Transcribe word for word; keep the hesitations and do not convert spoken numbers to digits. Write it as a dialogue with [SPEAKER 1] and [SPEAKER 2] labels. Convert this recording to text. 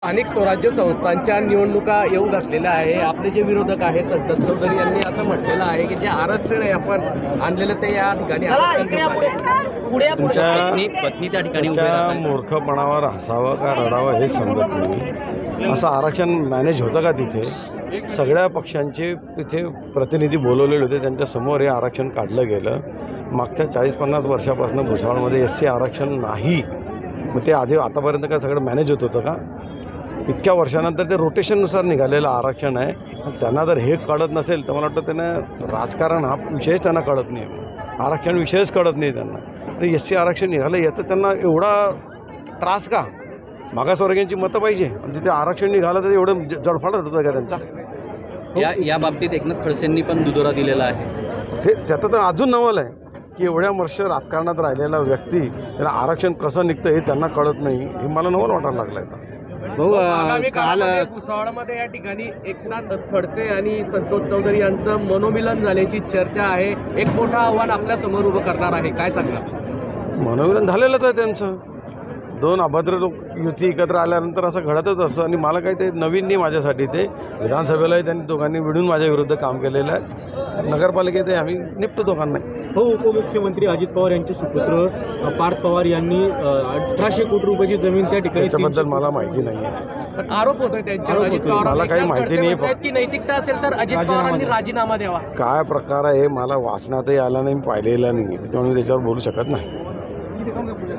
[SPEAKER 1] अनेक स्वराज्य संस्थांच्या निवडणुका येऊ घातलेल्या आहे. आपले जे विरोधक आहे संतत चौधरी यांनी असं म्हटलेलं आहे की जे आरक्षण आहे आपण आणलेलं ते या ठिकाणी
[SPEAKER 2] तुमच्या पत्नी त्या ठिकाणी मूर्खपणावर हसावं का रडावं हे समजत नाही. असं आरक्षण मॅनेज होतं का तिथे? सगळ्या पक्षांचे तिथे प्रतिनिधी बोलवलेले होते, त्यांच्यासमोर हे आरक्षण काढलं गेलं. मागच्या चाळीस पन्नास वर्षापासून भुसावळमध्ये एस सी आरक्षण नाही. मग ते आधी आतापर्यंत काय सगळं मॅनेज होत होतं का? इतक्या वर्षानंतर ते रोटेशननुसार निघालेलं आरक्षण आहे. त्यांना जर हे कळत नसेल तर मला वाटतं त्यांना राजकारण हा विषयच त्यांना कळत नाही, आरक्षण विषयच कळत नाही त्यांना. एस सी आरक्षण निघालं याचं त्यांना एवढा त्रास का? मागासवर्गीयांची मतं पाहिजे आणि तिथे आरक्षण निघालं तर एवढं जडफाड होतं का त्यांचा?
[SPEAKER 3] या या बाबतीत एकनाथ खडसेंनी पण दुजोरा दिलेला आहे.
[SPEAKER 2] ते त्याचं तर अजून नवल आहे की एवढ्या वर्ष राजकारणात राहिलेला व्यक्ती त्याला आरक्षण कसं निघतं हे त्यांना कळत नाही. हे मला नवल वाटायला लागलं आहे.
[SPEAKER 1] भाऊ काल भुसावळमध्ये या ठिकाणी एकनाथ खडसे आणि संतोष चौधरी यांचं मनोमिलन झाल्याची चर्चा आहे. एक मोठं आव्हान आपल्या समोर उभं करणार आहे, काय सांगणार?
[SPEAKER 2] मनोमिलन झालेलंच आहे त्यांचं. दोन अभद्र लोक युती एकत्र आल्यानंतर असं घडतच असतं आणि मला काही ते नवीन नाही माझ्यासाठी. ते विधानसभेलाही त्यांनी दोघांनी मिळून माझ्या विरुद्ध काम केलेलं आहे. नगरपालिकेत आम्ही निपटतो दोघांना.
[SPEAKER 4] हो, उपमुख्यमंत्री अजित पवार यांचे सुपुत्र पार्थ पवार यांनी अठराशे कोटी रुपयाची जमीन त्या ठिकाणी,
[SPEAKER 2] त्याच्याबद्दल मला माहिती नाही आहे.
[SPEAKER 1] आरोप होतोय त्यांच्यावर. अजित पवार
[SPEAKER 2] मला काही माहिती नाही
[SPEAKER 1] की नैतिकता असेल तर अजित पवारांनी राजीनामा द्यावा.
[SPEAKER 2] काय प्रकार आहे मला वाचनातही आला नाही, पाहिलेला नाही, त्याच्यामुळे मी त्याच्यावर बोलू शकत नाही.